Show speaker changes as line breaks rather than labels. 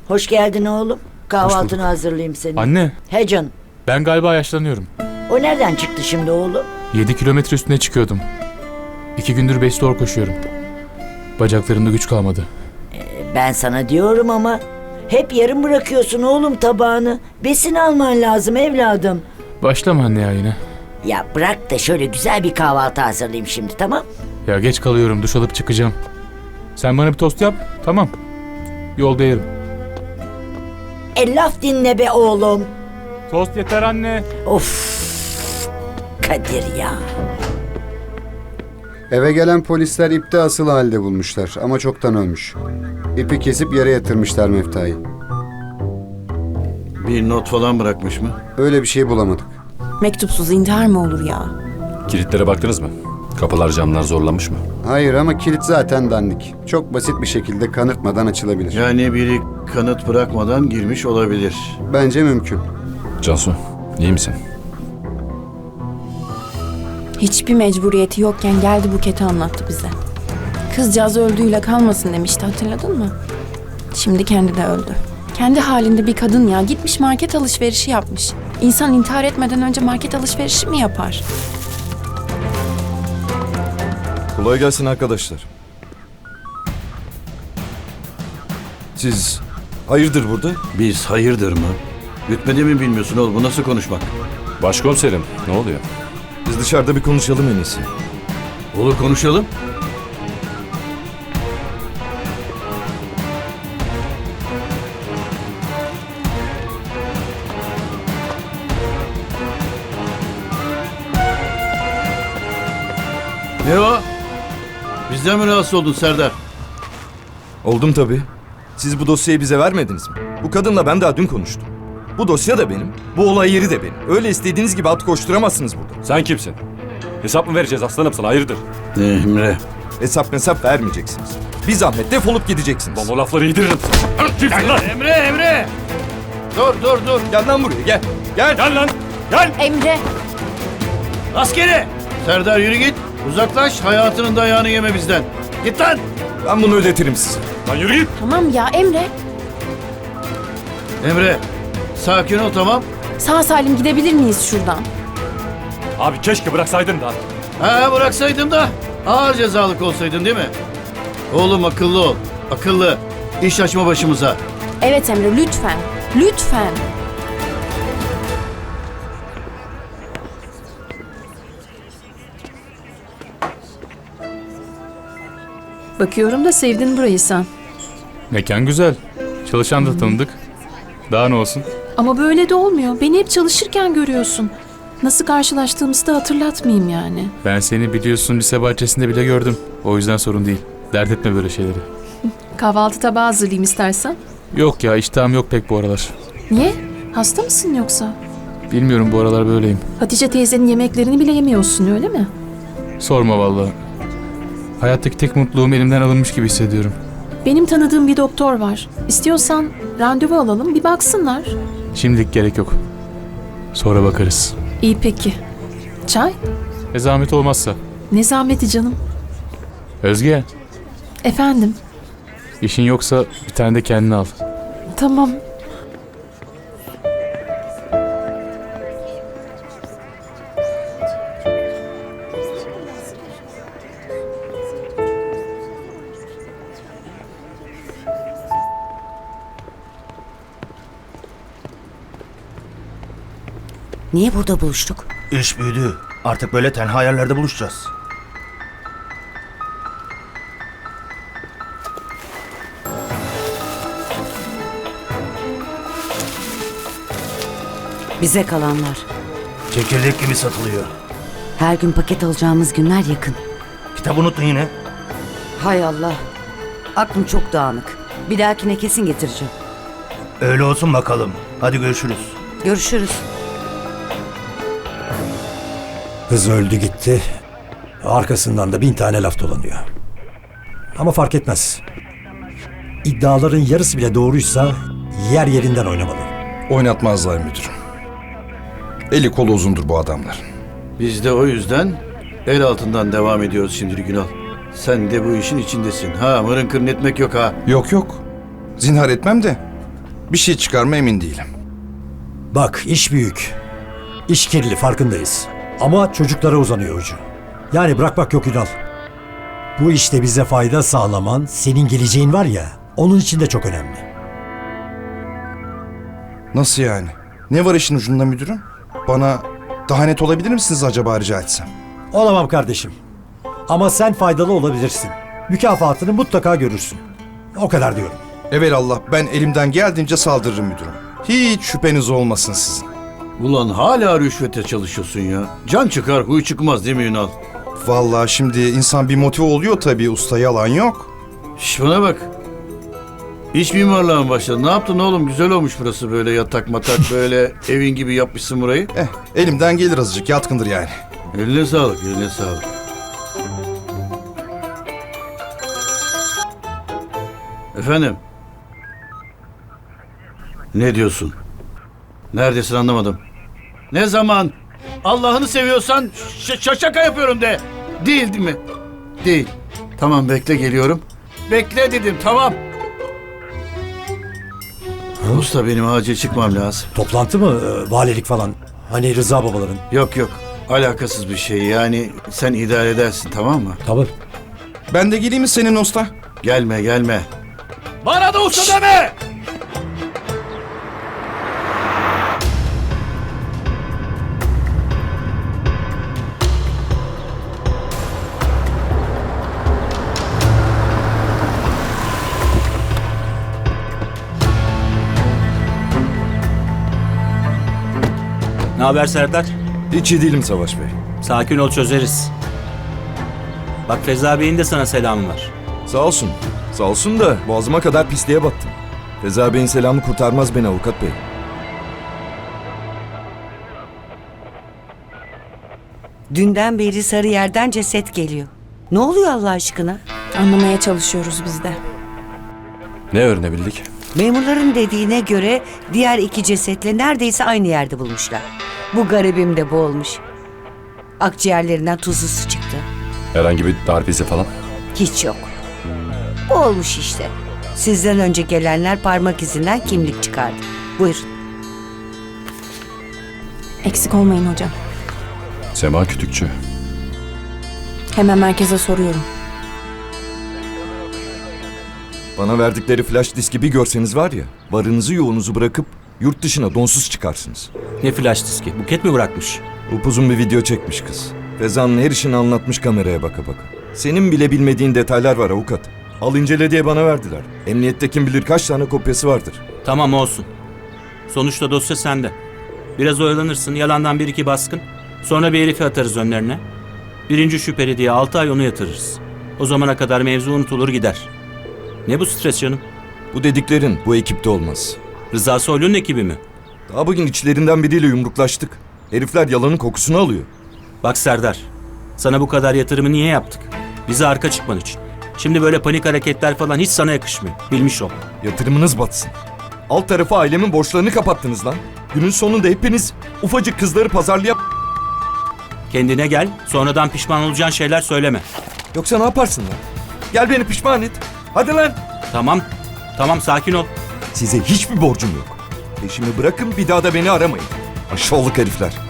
Hoş geldin oğlum. Kahvaltını hazırlayayım senin.
Anne,
He canım.
ben galiba yaşlanıyorum.
O nereden çıktı şimdi oğlum?
7 kilometre üstüne çıkıyordum. 2 gündür 5 zor koşuyorum. Bacaklarımda güç kalmadı.
Ben sana diyorum ama hep yarım bırakıyorsun oğlum tabağını. Besin alman lazım evladım.
Başlama anne ya yine.
Ya bırak da şöyle güzel bir kahvaltı hazırlayayım şimdi, tamam?
Ya geç kalıyorum, duş alıp çıkacağım. Sen bana bir tost yap, tamam. Yolda yerim.
Laf dinle be oğlum.
Tost yeter anne.
Of Kadir ya.
Eve gelen polisler ipte asılı halde bulmuşlar ama çoktan ölmüş. İpi kesip yere yatırmışlar Mefta'yı.
Bir not falan bırakmış mı?
Öyle bir şey bulamadık.
Mektupsuz intihar mı olur ya?
Kilitlere baktınız mı? Kapılar camlar zorlanmış mı?
Hayır ama kilit zaten dandik. Çok basit bir şekilde kanırtmadan açılabilir.
Yani biri kanıt bırakmadan girmiş olabilir.
Bence mümkün.
Cansu, iyi misin?
Hiçbir mecburiyeti yokken geldi Buket'i anlattı bize. Kızcağız öldüğüyle kalmasın demişti, hatırladın mı? Şimdi kendi de öldü. Kendi halinde bir kadın ya, gitmiş market alışverişi yapmış. İnsan intihar etmeden önce market alışverişi mi yapar?
Kolay gelsin arkadaşlar. Siz hayırdır burada?
Biz hayırdır mı? Rütbede mi bilmiyorsun oğlum, bu nasıl konuşmak?
Başkomiserim, ne oluyor?
Biz dışarıda bir konuşalım en iyisi.
Olur, konuşalım. Ne o? Bizden mi rahatsız oldun Serdar?
Oldum tabii. Siz bu dosyayı bize vermediniz mi? Bu kadınla ben daha dün konuştum. Bu dosya da benim, bu olay yeri de benim. Öyle istediğiniz gibi at koşturamazsınız burada.
Sen kimsin? Hesap mı vereceğiz aslanım sana, hayırdır?
Emre.
Hesap vermeyeceksiniz. Bir zahmet defolup gideceksiniz.
Lan o lafları yediririm. Kimsin lan?
Emre! Dur.
Gel lan buraya gel. Gel.
Gel lan! Gel!
Emre!
Askeri! Serdar yürü git. Uzaklaş, hayatının dayağını yeme bizden. Git lan!
Ben bunu ödetirim size.
Lan yürü git!
Tamam ya Emre.
Emre, sakin ol, tamam.
Sağ salim gidebilir miyiz şuradan?
Abi keşke bıraksaydın da.
Ha, bıraksaydım da ağır cezalık olsaydın değil mi? Oğlum akıllı ol. Akıllı. İş açma başımıza.
Evet Emre, lütfen. Lütfen.
Bakıyorum da sevdin burayı sen.
Mekan güzel. Çalışan da tanıdık. Daha ne olsun?
Ama böyle de olmuyor. Beni hep çalışırken görüyorsun. Nasıl karşılaştığımızı da hatırlatmayayım yani.
Ben seni biliyorsun lise bahçesinde bile gördüm. O yüzden sorun değil. Dert etme böyle şeyleri.
Kahvaltı tabağı hazırlayayım istersen.
Yok ya, iştahım yok pek bu aralar.
Niye? Hasta mısın yoksa?
Bilmiyorum, bu aralar böyleyim.
Hatice teyzenin yemeklerini bile yemiyorsun öyle mi?
Sorma vallahi. Hayattaki tek mutluluğum elimden alınmış gibi hissediyorum.
Benim tanıdığım bir doktor var. İstiyorsan randevu alalım, bir baksınlar.
Şimdilik gerek yok. Sonra bakarız.
İyi peki. Çay?
Zahmet olmazsa.
Ne zahmeti canım.
Özge,
Efendim?
işin yoksa bir tane de kendine al.
Tamam.
Niye burada buluştuk?
İş büyüdü. Artık böyle tenha yerlerde buluşacağız.
Bize kalanlar.
Çekirdek gibi satılıyor.
Her gün paket alacağımız günler yakın.
Kitap unuttun yine.
Hay Allah. Aklım çok dağınık. Bir dahakine kesin getireceğim.
Öyle olsun bakalım. Hadi görüşürüz.
Görüşürüz.
Kız öldü gitti. Arkasından da 1000 tane laf dolanıyor. Ama fark etmez. İddiaların yarısı bile doğruysa yer yerinden oynamalı.
Oynatmazlar müdürüm. Eli kolu uzundur bu adamlar.
Biz de o yüzden el altından devam ediyoruz şimdilik Günal. Sen de bu işin içindesin. Ha, mırın kırın etmek yok ha.
Yok. Zinhar etmem de
Bir şey çıkar mı emin değilim.
Bak iş büyük. İş kirli farkındayız. Ama çocuklara uzanıyor ucu. Yani bırakmak yok Ünal. Bu işte bize fayda sağlaman, senin geleceğin var ya, onun için de çok önemli.
Nasıl yani? Ne var işin ucunda müdürüm? Bana daha net olabilir misiniz acaba rica etsem?
Olamam kardeşim. Ama sen faydalı olabilirsin. Mükafatını mutlaka görürsün. O kadar diyorum.
Evelallah ben elimden geldiğince saldırırım müdürüm. Hiç şüpheniz olmasın sizin.
Ulan hala rüşvete çalışıyorsun ya. Can çıkar huy çıkmaz değil mi Ünal?
Vallahi şimdi insan bir motive oluyor tabii usta, yalan yok.
Şş, bana bak. İç mimarlığa mı başladın? Ne yaptın oğlum? Güzel olmuş burası, böyle yatak matak böyle evin gibi yapmışsın burayı.
Elimden gelir azıcık, yatkındır yani.
Eline sağlık, eline sağlık. Efendim? Ne diyorsun? Neredesin anlamadım. Ne zaman? Allah'ını seviyorsan şaka yapıyorum de. Değil mi? Değil. Tamam bekle geliyorum. Bekle dedim tamam. Usta benim acil çıkmam lazım.
Toplantı mı? Valilik falan. Hani Rıza babaların.
Yok yok. Alakasız bir şey yani sen idare edersin tamam mı?
Tabii.
Ben de geleyim mi senin usta?
Gelme gelme. Bana da usta deme!
Ne haber Serdar?
Hiç iyi değilim Savaş Bey.
Sakin ol, çözeriz. Bak Feza Bey'in de sana selamı var.
Sağ olsun. Sağ olsun da boğazıma kadar pisliğe battım. Feza Bey'in selamı kurtarmaz beni avukat bey.
Dünden beri Sarıyer'den ceset geliyor. Ne oluyor Allah aşkına?
Anlamaya çalışıyoruz biz de.
Ne öğrenebildik?
Memurların dediğine göre diğer 2 cesetle neredeyse aynı yerde bulmuşlar. Bu garibim de boğulmuş. Akciğerlerinden tuzlu su çıktı.
Herhangi bir darp izi falan?
Hiç yok. Boğulmuş işte. Sizden önce gelenler parmak izinden kimlik çıkardı. Buyurun.
Eksik olmayın hocam.
Sema Kütükçü.
Hemen merkeze soruyorum.
Bana verdikleri flash diski bir görseniz var ya, varınızı yoğunuzu bırakıp yurt dışına donsuz çıkarsınız.
Ne flash diski? Buket mi bırakmış?
Upuzun bir video çekmiş kız. Feza'nın her işini anlatmış kameraya baka baka. Senin bile bilmediğin detaylar var avukat. Al incele diye bana verdiler. Emniyette kim bilir kaç tane kopyası vardır.
Tamam olsun. Sonuçta dosya sende. Biraz oyalanırsın, yalandan 1-2 baskın. Sonra bir herifi atarız önlerine. Birinci şüpheli diye 6 ay onu yatırırız. O zamana kadar mevzu unutulur gider. Ne bu stres canım?
Bu dediklerin bu ekipte olmaz.
Rıza Soylu'nun ekibi mi?
Daha bugün içlerinden biriyle yumruklaştık. Herifler yalanın kokusunu alıyor.
Bak Serdar, sana bu kadar yatırımı niye yaptık? Bize arka çıkman için. Şimdi böyle panik hareketler falan hiç sana yakışmıyor. Bilmiş ol.
Yatırımınız batsın. Alt tarafı ailemin borçlarını kapattınız lan. Günün sonunda hepiniz ufacık kızları pazarlayıp...
Kendine gel, sonradan pişman olacağın şeyler söyleme.
Yoksa ne yaparsın lan? Gel beni pişman et. Hadi lan.
Tamam sakin ol.
Size hiçbir borcum yok. Peşimi bırakın, bir daha da beni aramayın. Aşağılık herifler.